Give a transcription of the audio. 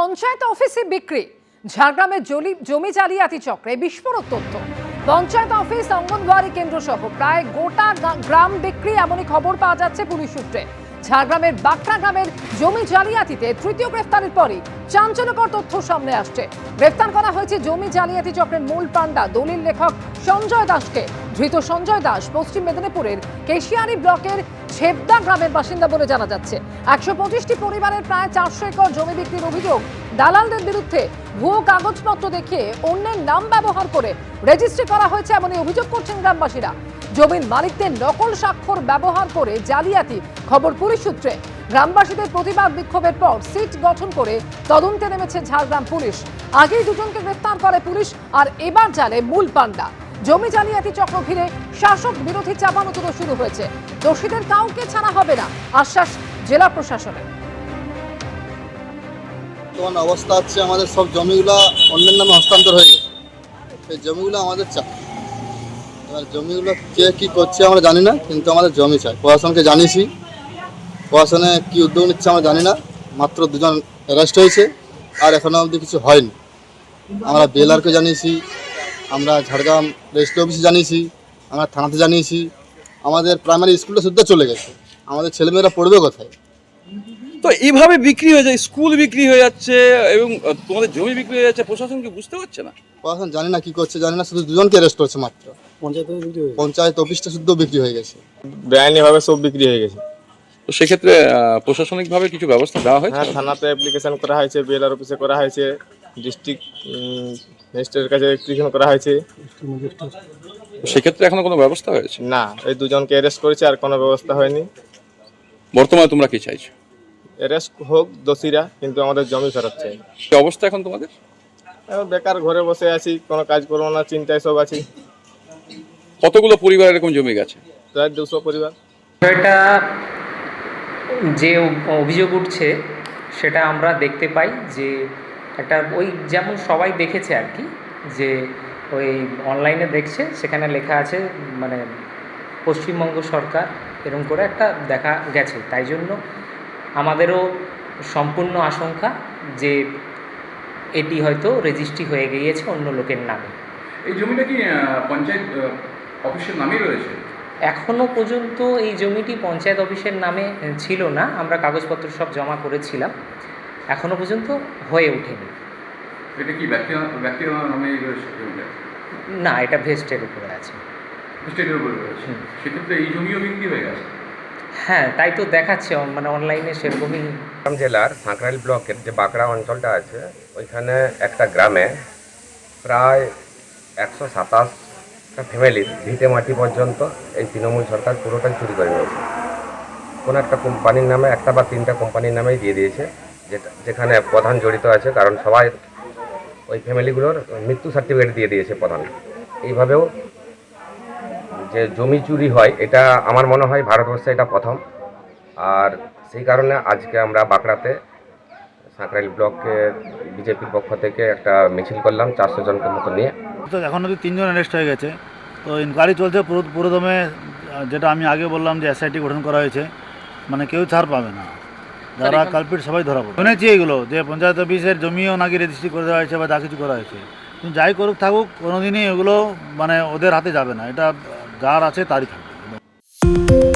পঞ্চায়েত অফিসে বিক্রি, ঝাড়গ্রামের জমি জালিয়াতি চক্রে বিস্ফোরক তথ্য। পঞ্চায়েত অফিস, অঙ্গনওয়াড়ি কেন্দ্র সহ প্রায় গোটা গ্রাম বিক্রি, এমনই খবর পাওয়া যাচ্ছে পুলিশ সূত্রে। ঝাড়গ্রামের বাকরা গ্রামের জমি জালিয়াতিতে তৃতীয় গ্রেফতারের পরই চাঞ্চল্যকর তথ্য সামনে আসছে। গ্রেফতার করা হয়েছে জমি জালিয়াতি চক্রের মূল পান্ডা দলিল লেখক সঞ্জয় দাসকে। ধৃত সঞ্জয় দাস পশ্চিম মেদিনীপুরের কেশিয়ারি ব্লকের ছেবদা গ্রামের বাসিন্দা বলে জানা যাচ্ছে। 125টি পরিবারের প্রায় 400 একর জমি বিক্রির অভিযোগ। দালালদের বিরুদ্ধে ভুয়ো কাগজপত্র দেখিয়ে অন্যের নাম ব্যবহার করে রেজিস্ট্রি করা হয়েছে, এমনই অভিযোগ করছেন গ্রামবাসীরা। জমির মালিকদের নকল স্বাক্ষর ব্যবহার করে জালিয়াতি, খবর পুলিশ সূত্রে। গ্রামবাসীদের প্রতিবাদ বিক্ষোভের পর সিট গঠন করে তদন্তে নেমেছে ঝাড়গ্রাম পুলিশ। আগেই দুজনকে গ্রেফতার করে পুলিশ, আর এবার জালে মূল পান্ডা। জমি জালিয়াতি চক্র ঘিরে শাসক বিরোধী চাপানোতর শুরু হয়েছে। দোষীদের কাউকে ছাড়া হবে না, আশ্বাস জেলা প্রশাসনের। বর্তমান অবস্থা হচ্ছে আমাদের সব জমিগুলো অন্যের নামে হস্তান্তর হয়ে গেছে। সেই জমিগুলো আমাদের চাই। এবার জমিগুলো কে কী করছে আমরা জানি না, কিন্তু আমাদের জমি চাই। প্রশাসনকে জানিয়েছি, প্রশাসনে কী উদ্যোগ নিচ্ছে আমরা জানি না। মাত্র দুজন অ্যারেস্ট হয়েছে, আর এখনও অবধি কিছু হয়নি। আমরা বিএলআরকে জানিয়েছি, আমরা ঝাড়গ্রাম রেজিস্ট্রি অফিসে জানিয়েছি, আমরা থানাতে জানিয়েছি। আমাদের প্রাইমারি স্কুলটা শুদ্ধ চলে গেছে, আমাদের ছেলেমেয়েরা পড়বে কোথায়? তো এইভাবে বিক্রি হয়ে যায়, স্কুল বিক্রি হয়ে যাচ্ছে এবং তোমাদের জমি বিক্রি হয়ে যাচ্ছে, প্রশাসন কি বুঝতে পারছে না? প্রশাসন জানি না কি করছে, জানি না। শুধু দুজনকে অ্যারেস্ট করছে মাত্র। পঞ্চায়েত অফিসটা শুদ্ধ বিক্রি হয়ে গেছে, বেআইনিভাবে সব বিক্রি হয়ে গেছে। তো সেক্ষেত্রে প্রশাসনিকভাবে কিছু ব্যবস্থা দেওয়া হয়েছে? হ্যাঁ, থানাতে অ্যাপ্লিকেশন করা হয়েছে, বিএলআর অফিসে করা হয়েছে, ডিস্ট্রিক্ট ম্যাজিস্ট্রেটের কাছে অ্যাপ্লিকেশন করা হয়েছে। তো সেক্ষেত্রে এখনো কোনো ব্যবস্থা হয়েছে না, এই দুজনকে অ্যারেস্ট করেছে, আর কোনো ব্যবস্থা হয়নি। বর্তমানে তোমরা কি চাইছো? অ্যারেস্ট হোক দোষীরা, কিন্তু আমাদের জমি ফেরত চাই। কি অবস্থা এখন তোমাদের? এখন বেকার ঘরে বসে আছি, কোনো কাজ করবো না, চিন্তায় সব আছি। কতগুলো পরিবার এরকম জমি গেছে? প্রায় 200 পরিবার। এটা যে অভিযোগ উঠছে সেটা আমরা দেখতে পাই যে একটা ওই যেমন সবাই দেখেছে আর কি, যে ওই অনলাইনে দেখছে, সেখানে লেখা আছে মানে পশ্চিমবঙ্গ সরকার এরকম করে একটা দেখা গেছে। তাই জন্য আমাদেরও সম্পূর্ণ আশঙ্কা যে এটি হয়তো রেজিস্ট্রি হয়ে গিয়েছে অন্য লোকের নামে। এই জমিটা কি পঞ্চায়েত অফিসের নামেই রয়েছে? এখনও পর্যন্ত এই জমিটি পঞ্চায়েত অফিসের নামে ছিল না, আমরা কাগজপত্র সব জমা করেছিলাম, এখনও পর্যন্ত হয়ে ওঠেনি। এটা কি ব্যক্তির নামে রয়েছে জমিটা? না, এটা ভেস্টের উপরে আছে। স্টেটের উপরে রয়েছে, সেক্ষেত্রে এই জমিও বিক্রি হয়ে গেছে? হ্যাঁ, তাই তো দেখাচ্ছে, মানে অনলাইনে সেরকমই। ঝাড়গ্রাম জেলার সাঁকরাইল ব্লকের যে বাঁকড়া অঞ্চলটা আছে, ওইখানে একটা গ্রামে প্রায় 127টা ফ্যামিলির ভিটে মাটি পর্যন্ত এই তৃণমূল সরকার পুরোটাই চুরি করে নিয়েছে। কোনো একটা কোম্পানির নামে, একটা বা 3টা কোম্পানির নামেই দিয়ে দিয়েছে, যেখানে প্রধান জড়িত আছে, কারণ সবাই ওই ফ্যামিলিগুলোর মৃত্যু সার্টিফিকেট দিয়ে দিয়েছে প্রধান। এইভাবেও যে জমি চুরি হয়, এটা আমার মনে হয় ভারতবর্ষে এটা প্রথম। আর সেই কারণে আজকে আমরা বাঁকড়াতে সাঁকরাইল ব্লকের বিজেপির পক্ষ থেকে একটা মিছিল করলাম 400 জনকে মতো নিয়ে। তো এখন অবধি 3 জন অ্যারেস্ট হয়ে গেছে। তো ইনকোয়ারি চলছে পুরোদমে। যেটা আমি আগে বললাম যে এসআইটি গঠন করা হয়েছে, মানে কেউ ছাড় পাবে না, যারা কালপিট সবাই ধরা পড়বে। শুনেছি এগুলো যে পঞ্চায়েত অফিসের জমিও নাকি রেজিস্ট্রি করে দেওয়া হয়েছে বা যা কিছু করা হয়েছে, কিন্তু যাই করুক থাকুক, কোনোদিনই এগুলো মানে ওদের হাতে যাবে না। এটা যার আছে তারই থাকবে।